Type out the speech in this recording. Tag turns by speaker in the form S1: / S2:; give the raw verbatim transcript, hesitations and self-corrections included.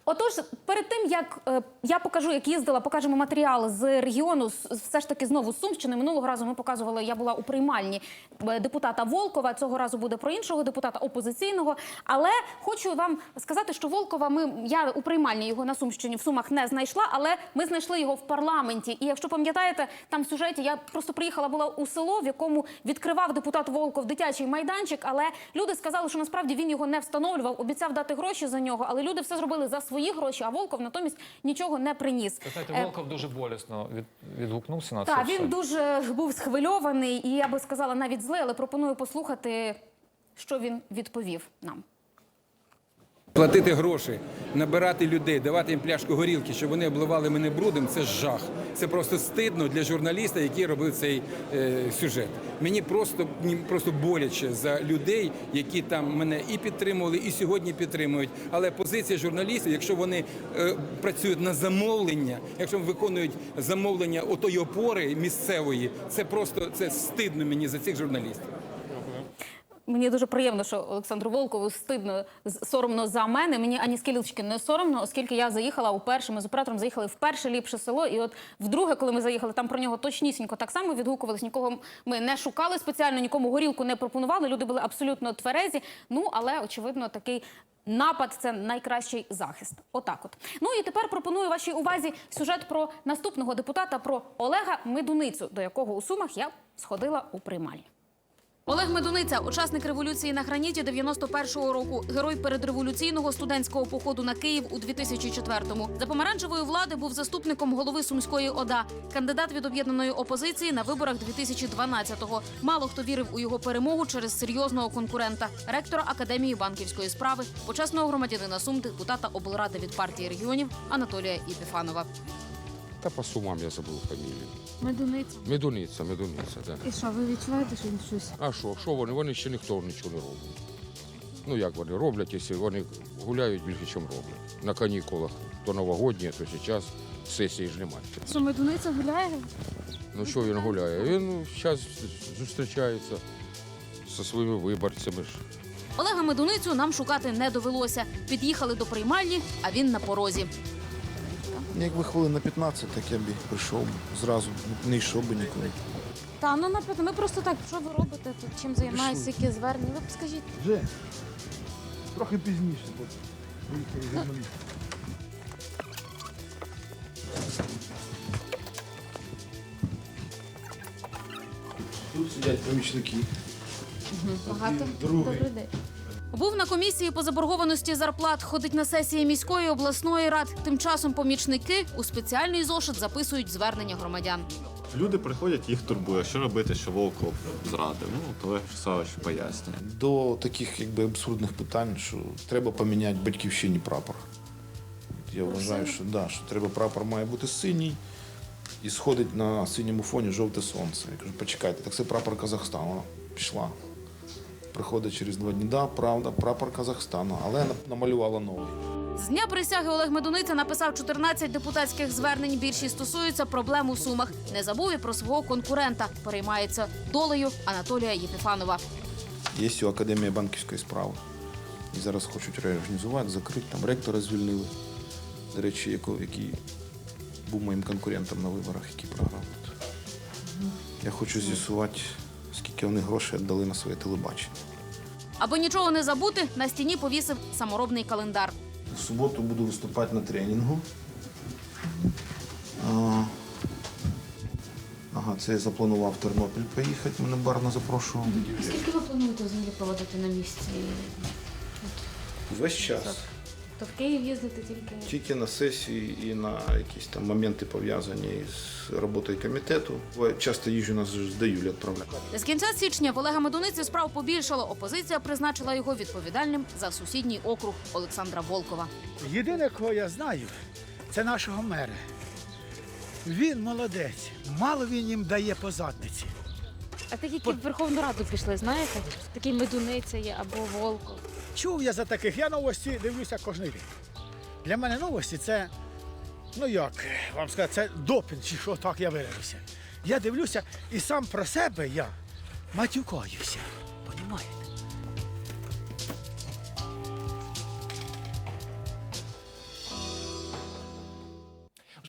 S1: Отож, перед тим, як е, я покажу, як їздила, покажемо матеріал з регіону, з- все ж таки знову з Сумщини. Минулого разу ми показували, я була у приймальні е, депутата Волкова, цього разу буде про іншого депутата опозиційного. Але хочу вам сказати, що Волкова, ми, я у приймальні його на Сумщині, в Сумах не знайшла, але ми знайшли його в парламенті. І якщо пам'ятаєте, там в сюжеті я просто приїхала, була у село, в якому відкривав депутат Волков дитячий майданчик, але люди сказали, що насправді він його не встановлював, обіцяв дати гроші за нього, але люди все зробили за свої гроші, а Волков натомість нічого не приніс.
S2: Ви знаєте, Волков дуже болісно від, відгукнувся на це
S1: Так,
S2: все.
S1: він дуже був схвильований і, я би сказала, навіть злий, але пропоную послухати, що він відповів нам.
S3: Платити гроші, набирати людей, давати їм пляшку горілки, щоб вони обливали мене брудом – це жах. Це просто стидно для журналіста, який робив цей е, сюжет. Мені просто, мені просто боляче за людей, які там мене і підтримували, і сьогодні підтримують. Але позиція журналістів, якщо вони е, працюють на замовлення, якщо виконують замовлення отої опори місцевої, це просто це стидно мені за цих журналістів.
S1: Мені дуже приємно, що Олександру Волкову стидно, з- соромно за мене. Мені ані скілечки не соромно, оскільки я заїхала уперше, ми з оператором заїхали в перше ліпше село. І от вдруге, коли ми заїхали, там про нього точнісінько так само відгукувались. Нікого ми не шукали спеціально, нікому горілку не пропонували. Люди були абсолютно тверезі. Ну, але, очевидно, такий напад – це найкращий захист. Отак от. Ну і тепер пропоную вашій увазі сюжет про наступного депутата, про Олега Медуницю, до якого у Сумах я сходила у приймальні. Олег Медуниця – учасник революції на граніті дев'яносто першого року, герой передреволюційного студентського походу на Київ у дві тисячі четвертому. За помаранчевої влади був заступником голови Сумської ОДА, кандидат від об'єднаної опозиції на виборах дві тисячі дванадцятого. Мало хто вірив у його перемогу через серйозного конкурента – ректора Академії банківської справи, почесного громадянина Сум, депутата облради від партії регіонів Анатолія Єпіфанова.
S4: Та по Сумам я забув фамілію.
S5: Медуниця.
S4: Медуниця, Медуниця, так.
S5: І що, ви відчуваєте, що він щось?
S4: А що, що вони? Вони ще ніхто нічого не робить. Ну як вони роблять, якщо вони гуляють більше, ніж роблять. На канікулах то новогодні, то зараз сесії ж немає.
S5: Що, Медуниця гуляє?
S4: Ну що він гуляє? Він зараз зустрічається зі своїми виборцями ж.
S1: Олега Медуницю нам шукати не довелося. Під'їхали до приймальні, а він на порозі.
S6: Якби хвилин на п'ятнадцять, так я б і прийшов зразу, не йшов би нікуди.
S5: Та, ну, наприклад, ми просто так, що ви робите тут, чим займаєтеся, які звернення? Ви б скажіть.
S6: Вже трохи пізніше, бо приїхали журналісти. Тут сидять помічники.
S5: Багато.
S6: Другий.
S5: Добрий день.
S1: Був на комісії по заборгованості зарплат, ходить на сесії міської, обласної рад. Тим часом помічники у спеціальний зошит записують звернення громадян.
S7: Люди приходять, їх турбує, що робити, що Волков зрадив. Ну, Олег Савич пояснює.
S6: До таких якби абсурдних питань, що треба поміняти батьківщині прапор. Я вважаю, що, да, що треба прапор має бути синій і сходить на синьому фоні жовте сонце. Я кажу, почекайте, так це прапор Казахстану. Вона пішла. Приходить через два дні, да, правда, прапор Казахстану, але намалювала новий.
S1: З дня присяги Олег Медуниця написав чотирнадцять депутатських звернень. Більшість стосуються проблем у Сумах. Не забув і про свого конкурента. Переймається долею Анатолія Єпіфанова.
S6: Є у Академії банківської справи. І зараз хочуть реорганізувати, закрити, там ректора звільнили. До речі, яко- який був моїм конкурентом на виборах, який програв. Я хочу з'ясувати, скільки вони грошей віддали на своє телебачення.
S1: Аби нічого не забути, на стіні повісив саморобний календар.
S6: В суботу буду виступати на тренінгу. А, Ага, це я запланував в Тернопіль поїхати, мене Барна запрошував.
S5: Скільки ви плануєте взагалі проводити на місці?
S6: Весь час.
S5: То в Київ їздити тільки?
S6: Тільки на сесії і на якісь там моменти пов'язані з роботою комітету. Часто їжджу, нас ж до Юлі відправляють.
S1: З кінця січня в Олега Медуниці справ побільшало. Опозиція призначила його відповідальним за сусідній округ Олександра Волкова.
S8: Єдине, кого я знаю, це нашого мера. Він молодець. Мало він їм дає по задниці.
S5: А такі, які в Верховну Раду пішли, знаєте? Такий Медуниця є або Волков.
S8: Чув я за таких, я новості дивлюся кожен день. Для мене новості це, ну як вам сказати, це допінг, чи що так я виражуся. Я дивлюся і сам про себе я матюкаюся. Понімаєте?